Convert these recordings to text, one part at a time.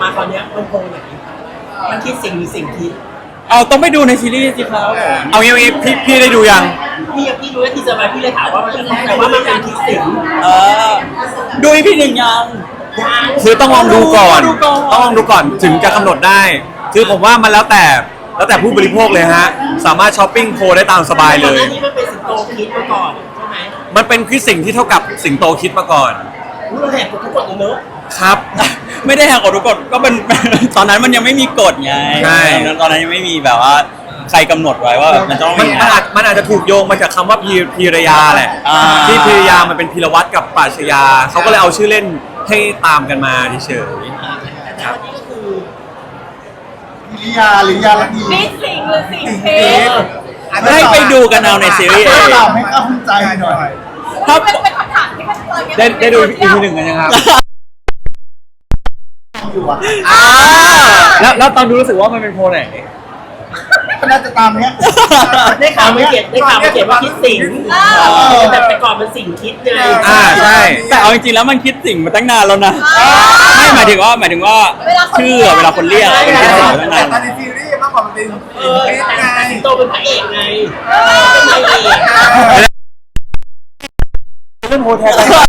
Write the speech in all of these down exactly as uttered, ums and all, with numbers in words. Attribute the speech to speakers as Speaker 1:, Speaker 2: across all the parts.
Speaker 1: มาคราวนี้มันโพลไหนมันคิดสิ่งหรือสิ่งคิด
Speaker 2: เอาต้องไปดูในซีรีส์สิครับ
Speaker 3: เอางี้งี้พี่พี่ได้ดูยัง
Speaker 1: พี่พี่ดูแล้วทีเซอร์มาพี่เลยถามว่ามันแต่ว่ามันเป็นคิดสิ่ง
Speaker 2: เออดูอีพีหนึ่งยัง
Speaker 3: คือต้องลองดูก่อน
Speaker 2: ดูก่อน
Speaker 3: ต้องลองดูก่อนถึงจะกำหนดได้คือผมว่ามันแล้วแต่แล้วแต่ผู้บริโภคเลยฮะสามารถช้อปปิ้งโพลได้ตามสบายเลย
Speaker 1: อันนี้มันเป็นสิงโตคิดมาก่อนใช่ไหม
Speaker 3: มันเป็นคิดสิ่งที่เท่ากับสิงโตคิดมาก่อน
Speaker 1: เราแหกกฎทุกกฎเลยเนอะ
Speaker 3: ครับ
Speaker 2: ไม่ได้แหกกฎทุกกฎก็เป็น ตอนนั้นมันยังไม่มีกฎไง
Speaker 3: ใช่
Speaker 2: ตอนนั้นยังไม่มีแบบว่าใครกำหนดไว้ว่าแบบมันต้อง
Speaker 3: มัน
Speaker 2: มี
Speaker 3: มันอาจมันอาจจะถูกโยงมาจากคำว่าพีพีรยาแหละ
Speaker 2: อ่า
Speaker 3: ที่พีรยามันเป็นพีรวัตรกับปราชญาเขาก็เลยเอาชื่อเล่นให้ตามกันมาเฉย
Speaker 1: แต่วันนี้ก็คือ
Speaker 4: พิริยาหรือยาลักดี
Speaker 5: มีสิ่งหรือสิ่งเพศ
Speaker 2: ให้ไปดูกันเอาในซีรีส์เอง
Speaker 4: ตอบให้เข้าใจหน่อย
Speaker 2: ถ้า
Speaker 5: เป็นเป็นคำถามที่มันตอนนี้
Speaker 3: ได้ได้ดูอีพีหนึ่งกันยังครับ
Speaker 4: อยู่อ่ะ
Speaker 3: แล้วแล้วตอนดูรู้สึกว่ามันเป็นโพลไหน
Speaker 4: ก็น่าจะตามเนี้ย
Speaker 1: ได้ข่าวมาเขียนได้ข่าวมาเขียนว่าคิดสิ่งแต่แต่ก่อนมันสิ่งคิดไง
Speaker 3: อ่าใช่
Speaker 2: แต่เอาจริงๆแล้วมันคิดสิ่งมาตั้งนานแล้วนะไม่หมายถึงว่าหมายถึงว่าชื่อเวลาคนเรียกอะมันคิดสิ่งมาตั้ง
Speaker 4: แต่
Speaker 2: นาน
Speaker 4: ตอนในซีรีส์มากกว่ามันเป็น
Speaker 1: เออแต่สิงโตเป็นพระเอกไงเป็นนายเอก
Speaker 3: เรื่องโพลแทน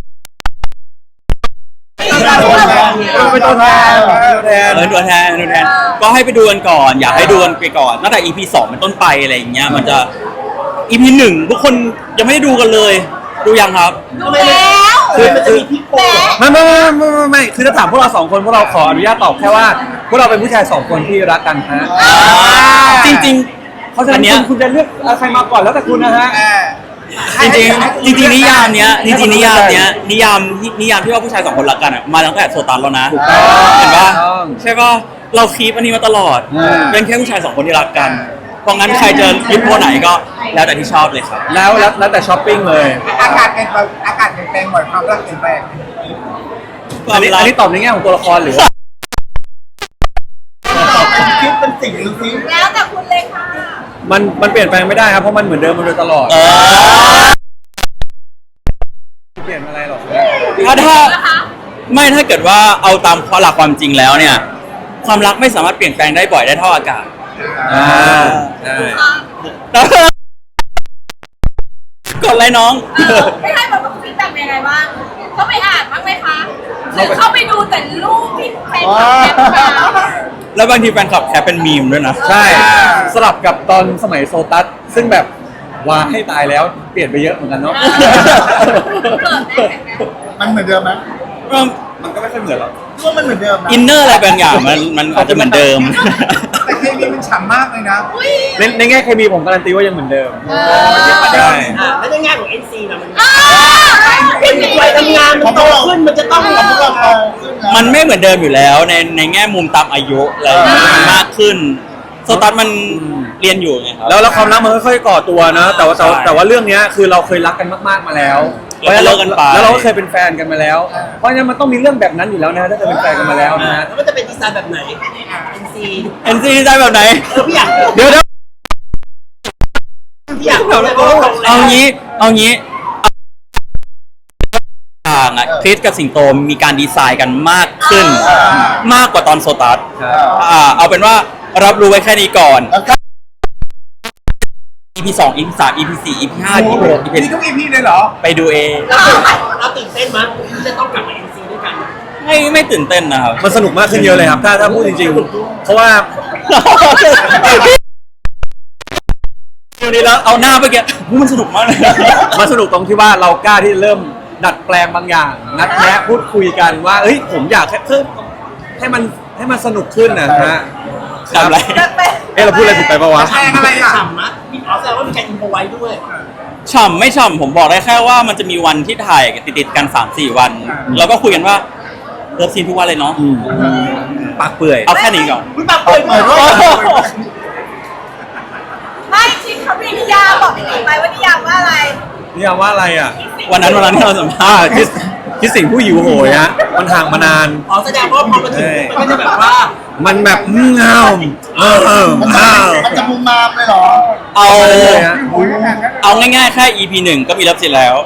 Speaker 4: เป็นตัวแทน
Speaker 3: แทน
Speaker 2: เออตัวแทนตัวแทนก็ให้ไปดูกันก่อนอยากให้ดูกันไปก่อนตั้งแต่ อี พี สองเป็นต้นไปอะไรอย่างเงี้ยมันจะ อี พี หนึ่งทุกคนยังไม่ได้ดูกันเลยดูยังครับ
Speaker 5: ดูแล้ว
Speaker 1: คือมันจะมีพี่โพ
Speaker 3: ไม่ไม่ไม่ไม่ไม่ไม่คือถ้าถามพวกเราสองคนพวกเราขออนุญาตตอบแค่ว่าพวกเราเป็นผู้ชายสองคนที่รักกันฮะ
Speaker 2: จริง
Speaker 3: เพราะฉะ
Speaker 2: อั
Speaker 3: นั้น น
Speaker 2: เนี้ย
Speaker 3: คุณคุณจะเลือกใครมาก่อนแล้วแต่คุณนะฮะ
Speaker 2: ๆจริงๆจริงๆนิยามเนี้ยจริงๆนิยามเนี้ยนิยามที่นิยามที่ว่าผู้ชายสองคนรักกันอ่ะมาตั้งแต่โซตันแล้วนะ
Speaker 3: ถูกต้อง
Speaker 2: เห็นปะ
Speaker 3: ถูกต้อง
Speaker 2: ใช่ปะเราคีปอันนี้มาตลอด
Speaker 3: อืม
Speaker 2: เป็นแค่ผู้ชายสองคนที่รักกันเพราะงั้นใครจะยึดโพไหนก็แล้วแต่ที่ชอบเลยครับ
Speaker 3: แล้วแล้วแล้วแต่ช้อปปิ้งเลย
Speaker 4: อากาศเปลี่ยนแปลงอากาศเปลี่ยนแปลงบ่อยความรักเปลี่ยนแปลง
Speaker 3: อันนี้อันนี้ตอบในแง่ของตัวละครหรือว่า
Speaker 4: คิดเป็นสิ่งหรือสิ่ง
Speaker 5: แล้วแต่คุณเลยค่ะ
Speaker 3: มันมันเปลี่ยนแปลงไม่ได้ครับเพราะมันเหมือนเดิมมาโดยตลอด
Speaker 2: เออ
Speaker 3: เปลี่ยนอะไรหรอก
Speaker 2: ถ้าถ้า
Speaker 5: นะคะ
Speaker 2: ไม่ถ้าเกิดว่าเอาตามหลักความจริงแล้วเนี่ย ความรักไม่สามารถเปลี่ยนแปลงได้บ่อยได้เท่าอากาศ
Speaker 3: อ่าใช่
Speaker 2: กดอะไรน้อง
Speaker 5: ไม่ให้แบบฟีดแบ็กยังไงบ้างเขาไปอ่านบ้างไหมคะหรือเขาไปดูแต่รูปที่แฟนคลับแคปมา
Speaker 2: แล้วบางทีแฟนคลับแคปเป็นมีมด้วยนะ
Speaker 3: ใช่สลับกับตอนสมัยโซตัสซึ่งแบบว่าให้ตายแล้วเปลี่ยนไปเยอะเหมือนกันเนาะ
Speaker 5: เกิดได้แบบนั้น
Speaker 4: มันเหมือนเดิมไหม
Speaker 3: มันก็ไม่ค่อยเหมือนหรอก
Speaker 4: ว่ามันเหมือนเดิมนะ
Speaker 2: อินเนอร์อะไรบางอย่างมันมันอาจจะเหมือนเดิม
Speaker 4: แต่เคมีมันฉ่ำมากเลยนะ
Speaker 5: อุ้ย
Speaker 3: ในในแง่เคมีผมการันตีว่ายังเหมือนเดิม
Speaker 5: เออ
Speaker 3: ใช่
Speaker 1: อ่าแล้วในแง่ของ เอ็น ซี นะมัน
Speaker 5: อ่า
Speaker 1: เป็นวัยทำงานมันโตขึ้นมันจะต้อง
Speaker 4: พวกเราโตขึ้นแล้ว
Speaker 2: มันไม่เหมือนเดิมอยู่แล้วในในแง่มุมตามอายุอะไรอย่างเงี้ยมันมากขึ้นโซตัสมันเรียนอยู่ไงครับ
Speaker 3: แล้วแล้วความรักมันค่อยๆก่อตัวนะแต่ว่าแต่ว่า
Speaker 2: ใช่
Speaker 3: แต่ว่าเรื่องเนี้ยคือเราเคยรักกันมากๆมาแล้ว
Speaker 2: แล้วก็เลิกกันไป
Speaker 3: แล้วเราก็เคยเป็นแฟนกันมาแล้ว เพราะฉะนั้นมันต้องมีเรื่องแบบนั้นอยู่แล้วนะถ้าเคยเป็นแฟนกันมาแล้วนะฮะ
Speaker 1: แล้วมันจะเป็นดีไซน์แบบไหน เอ็น ซี
Speaker 2: เอ็นซีได้แบบไหน
Speaker 1: เออพี่อยาก
Speaker 3: เดี๋ยวเดี๋ยว
Speaker 1: พี่อยากรู้แล้วก็ตรงแล้ว
Speaker 2: เอางี้เอางี้ต่างอะคริสกับสิงโตมีการดีไซน์กันมากขึ้น มากกว่าตอนโซตัสอ่าเอาเป็นว่ารับรู้ไว้แค่นี้ก่อน อี พี สอง อี พี สาม อี พี สี่ อี พี ห้า อี พี หก อี พี
Speaker 4: นี่ทุกอีพีเลยเหรอ
Speaker 2: ไปดูเอง
Speaker 1: เราตื่นเต้นมั้ยที่จะต้องกลับมา เอ็น ซี ด้วยกัน
Speaker 2: ไม่ไม่ตื่นเต้นนะครับ
Speaker 3: มันสนุกมากขึ้นเยอะเลยครับ ถ้าถ้าพูดจริงๆ เพราะว่า
Speaker 2: เดี๋ยวนี้แล้วเอาหน้าไปแกมันสนุกมากเลย
Speaker 3: มันสนุกตรงที่ว่าเรากล้าที่จะเริ่มดัดแปลงบางอย่าง นัดแนะพูดคุยกันว่าเอ้ยผมอยากให้เพิ่มให้มันให้มันสนุกขึ้นนะฮะ
Speaker 2: ทำอะไร
Speaker 3: เอ๊ะเราพูดอะไรผิดไปปะวะ
Speaker 4: แปลงอะไรอ่ะ
Speaker 1: ฉ่ำนะมีอ๋อแสดงว่ามีการอินโฟไว้ด้วย
Speaker 2: ฉ่ำไม่ฉ่ำผมบอกได้แค่ว่ามันจะมีวันที่ถ่ายติดๆกัน สามสี่ วัน แล้วก็คุยกันว่าเลิฟซีนทุกวันเลยเนาะ
Speaker 3: ปากเปื่อย
Speaker 2: เอาแค่นี้ก่อน
Speaker 1: อุ้ยปากเปิดมาก
Speaker 5: ไม่ชิคเขามีนิยามบอกพี่หนิงไปว่านิยามว่าอะไร
Speaker 3: นี่ยามว่าอะไรอ่ะ
Speaker 2: วันนั้นวันนั้นที่เราสัมภา
Speaker 3: อ่า
Speaker 2: ษณ์
Speaker 3: คิดคิดสิ่งผู้หิวโหยฮะมันห่างมานาน
Speaker 1: อ๋อแสดงว่าพอมาถึงมันก็จะแบบว่า
Speaker 3: มันแบบเงาเออเออ
Speaker 4: มัน
Speaker 3: เงา
Speaker 4: จะมุมมามเลยเหรอ
Speaker 2: เอา
Speaker 3: เลยฮะ
Speaker 4: โอ้ยงั้น
Speaker 2: เอาง่ายๆแค่ อี พี หนึ่งก็มีเลิฟซีนแล้ว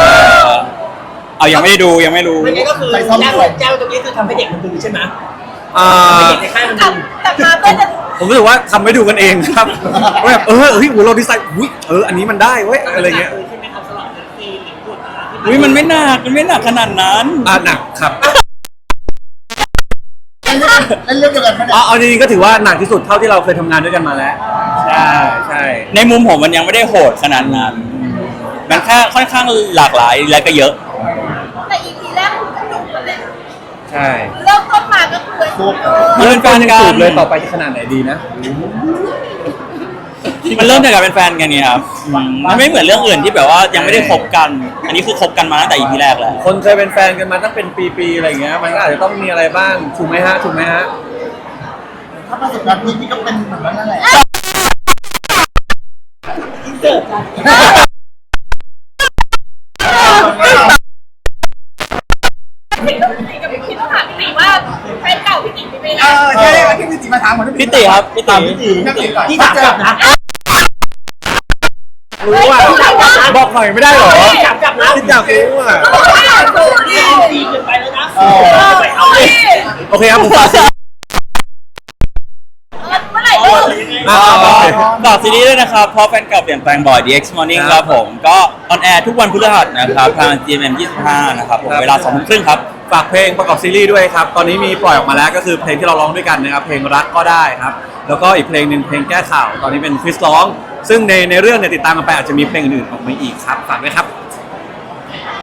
Speaker 2: เอายังไม่ได้ดูยังไม่รู้
Speaker 1: ไม่งั้นก็คือแจ้งแจ้งตรงนี้คือทำให้เด็กมันดูใช่ไหม
Speaker 3: อ่า
Speaker 1: เห็นในค่ายมัน
Speaker 5: กลับกลับมาเพื่อจะ
Speaker 3: ผมรู้สึกว่าทำให้ดูกันเองครับว่าแบบเออเฮ้ยเราดีไซน์อุ้ยเอออันนี้มันได้เว้ยอะไรเงี้ย
Speaker 1: ใช่ไหมครับสำหรับเรื่องซีนหรือบทอะไรที่
Speaker 2: อุ้ยมันไม่หนักมันไม่หนักขนาดนั้น
Speaker 3: อ่ะหนักครับ
Speaker 4: เล่นเรื่องเดียวกันไหมเนี่
Speaker 3: เอา
Speaker 4: ย
Speaker 3: เอาจริงๆก็ถือว่าหนักที่สุดเท่าที่เราเคยทำงานด้วยกันมาแล้วใช่ใช่
Speaker 2: ในมุมผมมันยังไม่ได้โหดขนาดนั้นมันแค่ค่อนข้างหลากหลายและก็เยอะ
Speaker 5: แต่ อี พี แรกคุณก็จุกกันเลย
Speaker 3: ใช่
Speaker 5: เริ่มต้นมาก็คือเออ
Speaker 2: มันเป็นแฟนกัน
Speaker 3: สูตรเลยต่อไปจะขนาดไหนดีนะ
Speaker 2: มันเริ่มจากการเป็นแฟนกันเนี่ยครับอืมมันไม่เหมือนเรื่องอื่นที่แบบว่ายังไม่ได้คบกัน อันนี้คือคบกันมาตั้งแต่ อี พี แรกแล้ว
Speaker 3: คนเคยเป็นแฟนกันมาตั้งเป็นปีๆอะไรอย่างเงี้ยมันก็อาจจะต้องมีอะไรบ้างถูกไหมฮะถูกไหมฮะ
Speaker 4: ถ้าประสบการณ์พี่พี่ก็เป็นแบบนั้นแหละ
Speaker 1: เกิดจาก
Speaker 5: พี่ต้องพี่กับพี่ต้องถามพี่ติ๋งว่าแฟนเก่าพี่ติ๋งเป็นยังไง
Speaker 4: เออใช่ๆที่พี่จิมาถามผม
Speaker 2: พี่ติครับพี่ติ
Speaker 4: พี่จิพี่จิก่อน
Speaker 1: ที่ถามกลับนะ
Speaker 3: รู้ว่าบอกหน่อยไม่ได้เหรอ
Speaker 1: ถามกลับนะ
Speaker 3: คิดอยากรู้อ่ะ
Speaker 5: เขาบอกว่าดูดิ
Speaker 1: ดีเกินไปแล้วนะ
Speaker 5: เออ
Speaker 1: ไปเอาเลย
Speaker 3: โอเคครับผมฝากซี
Speaker 5: เมื่อไหร่เออ
Speaker 3: อ่าโอเค
Speaker 2: ฝากซีรีส์ด้วยนะครับเพราะแฟนเก่าเปลี่ยนแปลงบ่อย ดี เอ็กซ์ Morning ครับผมก็ออนแอร์ทุกวันพฤหัสนะครับทาง จี เอ็ม เอ็ม ยี่สิบห้านะครับผมเวลาสองทุ่มครึ่งครับ
Speaker 3: ฝากเพลงประกอบซีรีส์ด้วยครับ ตอนนี้มีปล่อยออกมาแล้วก็คือเพลงที่เราร้องด้วยกันนะครับ เพลงรักก็ได้ครับ แล้วก็อีกเพลงหนึ่งเพลงแก้ข่าว ตอนนี้เป็นคริสร้อง ซึ่งในในเรื่องเนี่ยติดตามกันไปอาจจะมีเพลงอื่นๆออกมาอีกครับ ฝากด้วยครับ